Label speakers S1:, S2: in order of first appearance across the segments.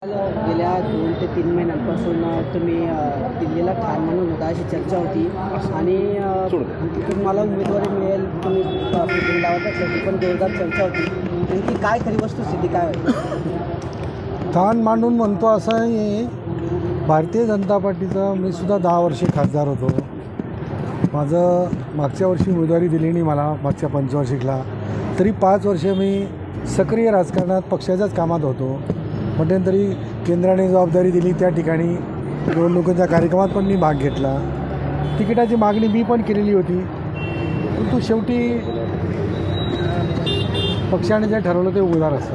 S1: गेल्या 2 ते 3 महिन्यांपासून तुम्ही दिल्लीला ठार म्हणून होता अशी चर्चा होती आणि तुम्हाला उमेदवारी मिळेल तुम्ही लावत पण जोरदार चर्चा होती. नेमकी काय खरी वस्तुस्थिती काय होती?
S2: ठाण मांडून म्हणतो असं आहे. भारतीय जनता पार्टीचा मी सुद्धा 10 वर्षे खासदार होतो. माझं मागच्या वर्षी उमेदवारी दिली नाही मला, मागच्या पंचवार्षिकला. तरी 5 वर्ष मी सक्रिय राजकारणात पक्षाच्याच कामात होतो. मध्यंतरी केंद्राने जबाबदारी दिली त्या ठिकाणी निवडणुकीच्या कार्यक्रमात पण मी भाग घेतला. तिकिटाची मागणी मी पण केलेली होती, परंतु शेवटी पक्षाने जे ठरवलं ते उमेदवार असतात.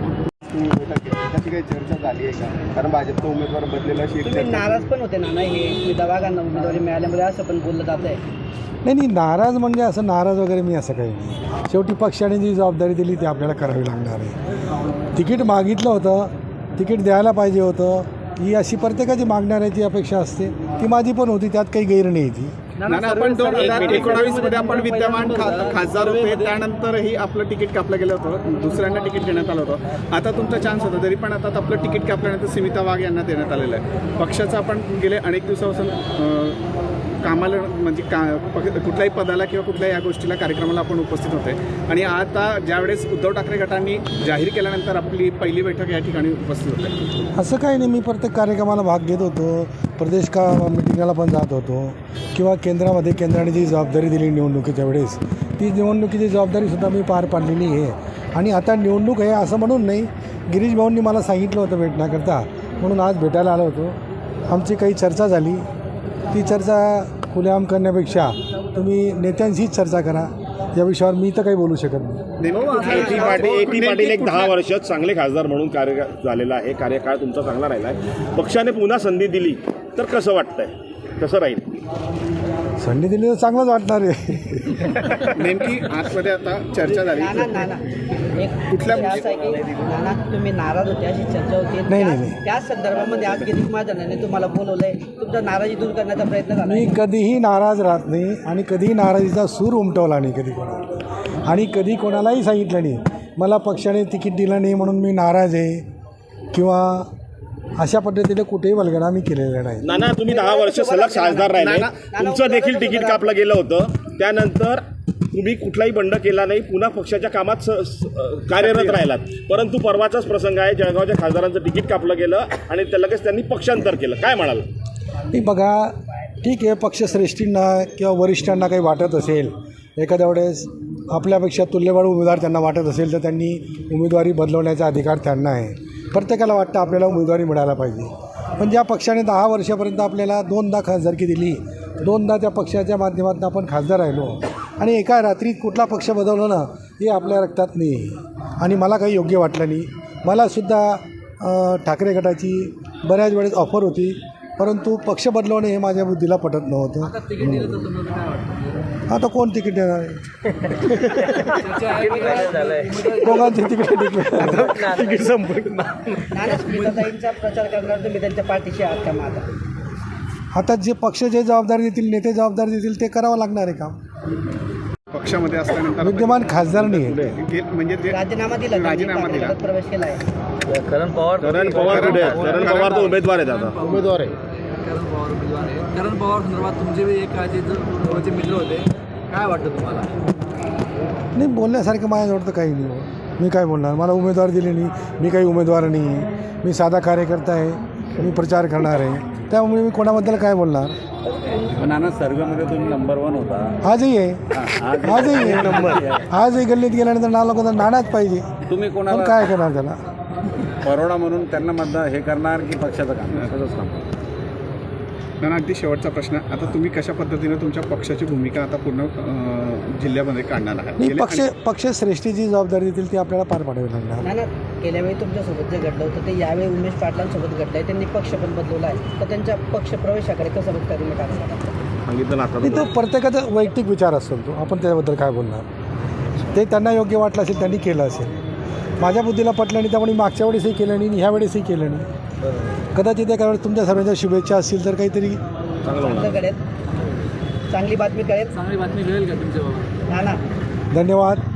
S3: त्याची काही चर्चा झाली आहे का? कारण भाजपचा उमेदवार बदलेला
S1: तुम्ही नाराज पण होते ना, हे दवाखाना उमेदवारी मिळाल्यामुळे असं पण बोललं जात आहे.
S2: नाही, नाराज म्हणजे असं नाराज वगैरे मी असं काही नाही. शेवटी पक्षाने जी जबाबदारी दिली ती आपल्याला करावी लागणार आहे. तिकीट मागितलं होतं, तिकीट द्यायला पाहिजे होतं, ही अशी प्रत्येकाची मागणाऱ्याची अपेक्षा असते. ती माझी पण होती, त्यात काही गैर नाही ती.
S3: आपण 2019 मध्ये आपण विद्यमान खासदार होते, त्यानंतरही आपलं तिकीट कापलं गेलं होतं, दुसऱ्यांना तिकीट देण्यात आलं होतं. आता तुमचा चान्स होता, तरी पण आता आपलं तिकीट कापल्यानंतर स्मिता वाघ यांना देण्यात आलेलं आहे. पक्षाचं आपण गेले अनेक दिवसापासून कामाला म्हणजे कुठल्याही पदाला किंवा कुठल्याही या गोष्टीला कार्यक्रमाला आपण उपस्थित होते आणि आता ज्यावेळेस उद्धव ठाकरे गटांनी जाहीर केल्यानंतर आपली पहिली बैठक या ठिकाणी उपस्थित होते.
S2: असं काही नाही, मी प्रत्येक कार्यक्रमाला भाग घेत होतो, प्रदेश मिटिंगला पण जात होतो किंवा केंद्राने जी जबाबदारी दिली निवडणुकीच्या वेळेस ती निवडणुकीची जबाबदारीसुद्धा मी पार पाडलेली आहे. आणि आता निवडणूक आहे असं म्हणून नाही, गिरीश भाऊंनी मला सांगितलं होतं भेटण्याकरता, म्हणून आज भेटायला आलो होतो. आमची काही चर्चा झाली. ती चर्चा खुलेआम करण्यापेक्षा तुम्ही नेत्यांशीच चर्चा करा. या विषयावर मी तर काही बोलू शकत नाही.
S4: ए.टी. पाटील एक 10 वर्ष चांगले खासदार म्हणून कार्य झालेला आहे, कार्यकाळ तुमचा चांगला राहिला आहे. पक्षाने पुन्हा संधी दिली तर कसं वाटतंय, कसं राहील?
S2: संधी दिली तर चांगलंच वाटणार आहे.
S3: नेमकी आतमध्ये आता चर्चा झाली
S1: कुठल्या तुम्ही नाराज होते अशी चर्चा होती.
S2: नाही.
S1: त्या संदर्भामध्ये आज गिरीश महाजनांनी तुम्हाला बोलवलंय, तुमचा नाराजी दूर करण्याचा प्रयत्न झाला.
S2: मी कधीही नाराज राहत नाही आणि कधीही नाराजीचा सूर उमटवला नाही कधी कोणाला, आणि कधी कोणालाही सांगितलं नाही मला पक्षाने तिकीट दिलं नाही म्हणून मी नाराज आहे किंवा अशा पद्धतीने कुठेही वल्गणा मी केलेला नाही.
S4: नाना, तुम्ही 10 वर्ष सलग खासदार राहिले, तुमचं देखील तिकीट कापलं गेलं होतं. त्यानंतर तुम्ही कुठलाही बंड केला नाही, पुन्हा पक्षाच्या कामात कार्यरत राहिलात. परंतु परवाचाच प्रसंग आहे, जळगावच्या खासदारांचं तिकीट कापलं गेलं आणि लगेच त्यांनी पक्षांतर केलं. काय म्हणाल?
S2: नाही, बघा, ठीक आहे, पक्षश्रेष्ठींना किंवा वरिष्ठांना काही वाटत असेल, एखाद्या वेळेस आपल्यापेक्षा तुल्यबळ उमेदवार त्यांना वाटत असेल तर त्यांनी उमेदवारी बदलवण्याचा अधिकार त्यांना आहे. प्रत्येकाला वाटतं आपल्याला उमेदवारी मिळायला पाहिजे. पण ज्या पक्षाने 10 वर्षापर्यंत आपल्याला 2दा खासदारकी दिली, 2दा त्या पक्षाच्या माध्यमातून आपण खासदार राहिलो आणि एका रात्रीत कुठला पक्ष बदलवलं ना, हे आपल्या रक्तात नाही आणि मला काही योग्य वाटलं नाही. मलासुद्धा ठाकरे गटाची बऱ्याच वेळेस ऑफर होती, परंतु पक्ष बदलवणे हे माझ्या बुद्धीला पटत नव्हतं. आता कोण तिकीट देणार आहे? दोघांचे तिकीट संपलं.
S1: प्रचार करणार तुम्ही त्यांच्या पाठीशी आहात का? माझा
S2: आता जे पक्ष जे जबाबदारी देतील, नेते जबाबदारी देतील ते करावं लागणार आहे काम.
S3: पक्षामध्ये असल्यानंतर
S2: विद्यमान खासदार नाही
S3: म्हणजे ते
S1: राजीनामा दिला, प्रवेश केला आहे.
S4: करण पवार तर उमेदवार आहेत, आता उमेदवार आहे.
S5: करण पवार संदर्भात तुमचे एक जवळचे मित्र होते, काय वाटतं तुम्हाला?
S2: नाही, बोलण्यासारखं माझ्याजवळ तर काही नाही हो. मी काय बोलणार? मला उमेदवार दिले नाही, मी काही उमेदवार नाही आहे, मी साधा कार्यकर्ता आहे, मी प्रचार करणार आहे, त्यामुळे मी कोणाबद्दल काय बोलणार?
S6: नाना, सर्वेमध्ये तुम्ही नंबर 1 होता.
S2: आजही आहे नंबर. आजही गल्लीत गेल्यानंतर नाव नाणाच पाहिजे.
S6: तुम्ही कोणाला
S2: काय करणार त्याला?
S6: परोडा म्हणून त्यांना मतदान हे करणार की पक्षाचं काम? तसंच काम.
S3: नाना, अगदी शेवटचा प्रश्न, आता तुम्ही कशा पद्धतीने तुमच्या पक्षाची भूमिका आता पूर्ण जिल्ह्यामध्ये काढणार आहात?
S2: पक्षश्रेष्ठी जी जबाबदारी देतील ती आपल्याला पार पाडावी लागणार.
S1: नाही ना, गेल्या वेळी तुमच्यासोबत जे घडलं होतं ते यावेळी उमेश पाटलांसोबत घडलं आहे. त्यांनी पक्ष पण बदलवला आहे, तर त्यांच्या पक्ष प्रवेशाकडे कसं बघता तुम्ही?
S4: सांगितलं
S2: तो प्रत्येकाचा वैयक्तिक विचार असतो, तो आपण त्याबद्दल काय बोलणार? ते त्यांना योग्य वाटलं असेल, त्यांनी केलं असेल. माझ्या बुद्धीला पटलं नाही, त्यामुळे मागच्या वेळेसही केलं नाही, ह्या वेळेसही केलं नाही. कदाचित एका वेळेस तुमच्या सर्वांच्या शुभेच्छा असतील तर काहीतरी
S1: चांगली बातमी कळेल.
S5: चांगली बातमी मिळेल का तुमच्या बाबा?
S2: धन्यवाद.